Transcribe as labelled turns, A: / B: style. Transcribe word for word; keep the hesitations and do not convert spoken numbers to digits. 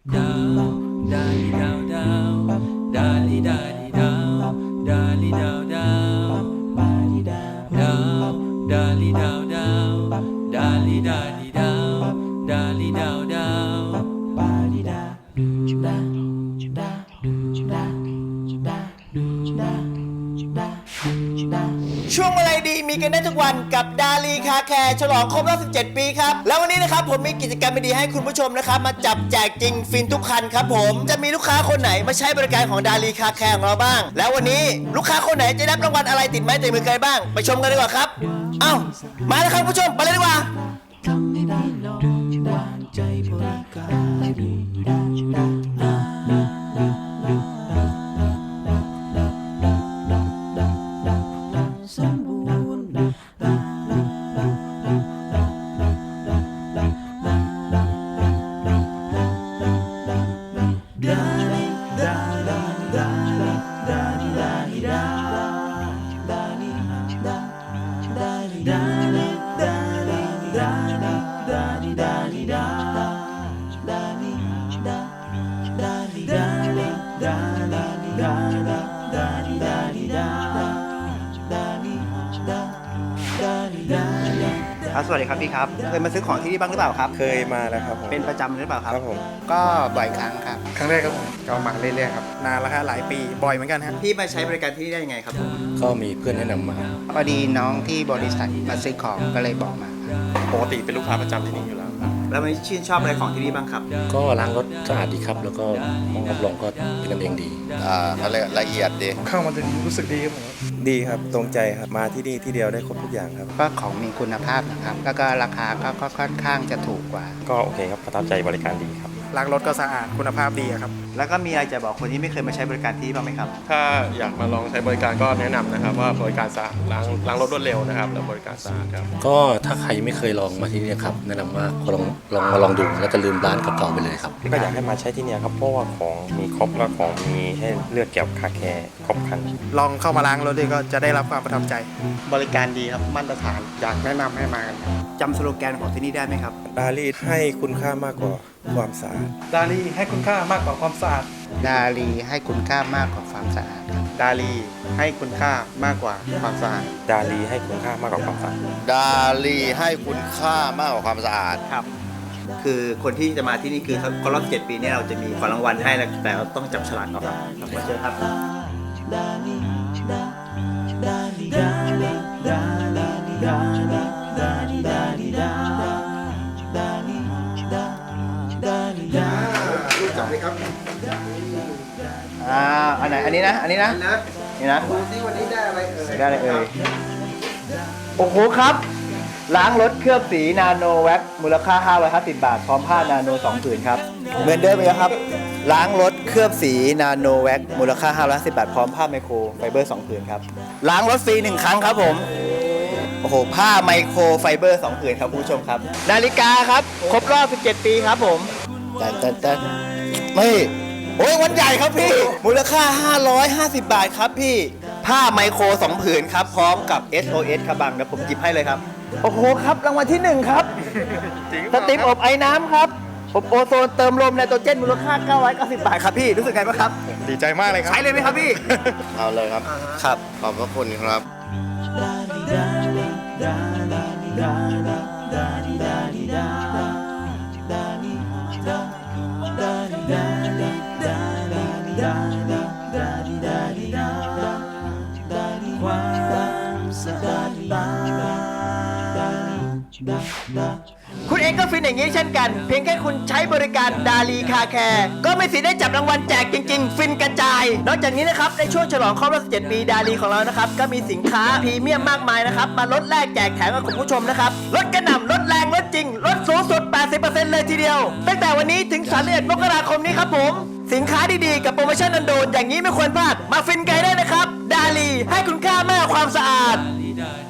A: ดาวดาลีดาวดาวดาลีดาลีดาวดาลีดาวดาวดาลีดาวดาลีดาวดาวดาลีดาลีดาวดาลีดาวดาวบาลีดาจุดาจุดาจุดาจุดาจุดาจุดาจุดา
B: ช่วงอะไรดีมีกันได้ทุกวันกับดาลีคาแคร์ฉลองครบรอบสิบเจ็ดปีครับแล้ววันนี้นะครับผมมีกิจกรรมดีๆให้คุณผู้ชมนะครับมาจับแจกจริงฟินทุกคันครับผมจะมีลูกค้าคนไหนมาใช้บริการของดาลีคาแคร์ของเราบ้างแล้ววันนี้ลูกค้าคนไหนจะได้รางวัลอะไรติดไม้ติดมือใครบ้างไปชมกันดีกว่าครับเอ้ามาแล้วครับคุณผู้ชมไปเลยดีกว่า
A: ทำให้ได้ลองวางใจบริการสมบูรณ์ดาลีดาดาดาดาลีดาลีดาดาลีดาดาลีดาลีดาลีดาดาลีดาลีดาดาลีดาดาลีดาลีดาลีดาลีดาดาลีดาดาลีดาลีดา
B: ครับสวัสดีครับพี่ครับเคยมาซื้อของที่นี่บ้างหรือเปล่าครับ
C: เคยมาแล้วครับผม
B: เป็นประจำหรือเปล่าครับ
C: ครับผม
B: ก็บ่อยครั้งครับ
C: ครั้งแรกครับผมก็มาเรื่อยๆครับนานแล้วครับหลายปีบ่อยเหมือนกันครับ
B: พี่มาใช้บริการที่นี่ได้ยังไงครับ
D: ก็มีเพื่อนแนะนำมา
E: พอดีน้องที่บริษัทมาซื้อของก็เลยบอกมา
C: ปกติเป็นลูกค้าประจำที่นี่อยู่แล้ว
B: แล้วไม่ชื่นชอบอะไรของที่นี่บ้างครับ
D: ก็ล้างรถสะอาดดีครับแล้วก็ห้องรับรองก็เป็นกันเองดี
F: อ่าอะไรละเอียดดี
C: เข้ามาถึงรู้สึกดีครับผมดีครับตรงใจครับมาที่นี่ที่เดียวได้ครบทุกอย่างครับ
E: ก็ของมีคุณภาพนะครับแล้วก็ราคาก็ค่อนข้างจะถูกกว่า
C: ก็โอเคครับประทับใจบริการดีครับล้างรถก็สะอาดคุณภาพดีครับ
B: แล้วก็มีอะไรจะบอกคนที่ไม่เคยมาใช้บริการที่นี่บ้างไหมครับ
C: ถ้าอยากมาลองใช้บริการก็แนะนำนะครับว่าบริการสะอาดล้างล้างรถรวดเร็วนะครับแล้วบริการสะอาดครับ
D: ก็ถ้าใครไม่เคยลองมาที่นี่ครับแนะนำว่าลองลองมาลองดูแล้วจะลืมร้านเก่าๆไปเลยครับ
C: ก็อยากให้มาใช้ที่นี่ครับเพราะว่าของมีครบและของมีให้เลือกเกี่ยวกับคาแคร์ครบครันลองเข้ามาล้างรถด้วยก็จะได้รับความประทับใจบริการดีครับมาตรฐานอยากแนะนำให้มากัน
B: จำสโลแกนของที่นี่ได้ไหมครับ
C: ดาลีให้คุณค่ามากกว่าความสะอาดดาลีให้คุณค่ามากกว่าความสะอาด
E: ดาลีให้คุณค่ามากกว่าความสะอาดครับ
C: ดาลีให้คุณค่ามากกว่าความสะอาดดาลีให้คุณค่ามากกว่าความสะอาด
F: ดาลีให้คุณค่ามากกว่าความสะอาด
B: ครับคือคนที่จะมาที่นี่คือครบรอบเจ็ดปีนี้เราจะมีของรางวัลให้แต่เราต้องจับฉลากก่อนครับมาเชิญครับรู้จักไหมครับอ่าอันไหนอันนี้นะอันนี้นะนี่นะดูซิวันนี้ได้อะไรเอ่ยได้อะไรเอ่ยโอ้โหครับล้างรถเคลือบสีนาโนแว็กมูลค่าห้าร้อยห้าสิบบาทพร้อมผ้านาโนสองผืนครับเหมือนเดิมเลยครับล้างรถเคลือบสีนาโนแว็กมูลค่าห้าร้อยห้าสิบบาทพร้อมผ้าไมโครไฟเบอร์สองผืนครับล้างรถฟรีหนึ่งครั้งครับผมโอ้โหผ้าไมโครไฟเบอร์สองผืนครับผู้ชมครับนาฬิกาครับครบรอบสิบเจ็ดปีครับผมแต่แต่แต่ไม่โอ้ยวันใหญ่ครับพี่มูลค่าห้าร้อยห้าสิบบาทครับพี่ผ้าไมโครสองผืนครับพร้อมกับ เอส โอ เอส ครับบังเดี๋ยวผมหยิบให้เลยครับโอ้โหครับรางวัลที่หนึ่งครับสติมอบไอ้น้ำครับอบโอโซนเติมลมไนโตรเจนมูลค่าเก้าร้อยเก้าสิบบาทครับพี่รู้สึกไงบ้างครับ
C: ดีใจมากเลยครับ
B: ใช้เลยไหมครับพี่
F: เอาเลยครับ
B: ครับ
F: ขอบพระคุณครับ
B: คุณเองก็ฟินอย่างนี้เช่นกันเพียงแค่คุณใช้บริการดาลีคาแคร์ก็ไม่สิได้จับรางวัลแจกจริงๆฟินกระจายนอกจากนี้นะครับในช่วงฉลองครบรอบสิบเจ็ดปีดาลีของเรานะครับก็มีสินค้าพรีเมียมมากมายนะครับมาลดแลกแจกแถมกับคุณผู้ชมนะครับลดกระหน่ำลดแรงลดจริงลดสูงสุด แปดสิบเปอร์เซ็นต์ เลยทีเดียวตั้งแต่วันนี้ถึงสามสิบเอ็ดมกราคมนี้ครับผมสินค้าดีๆกับโปรโมชั่นอันโดนอย่างนี้ไม่ควรพลาดมาฟินกันได้นะครับดาลีให้คุณค่ามากกว่าความสะอาด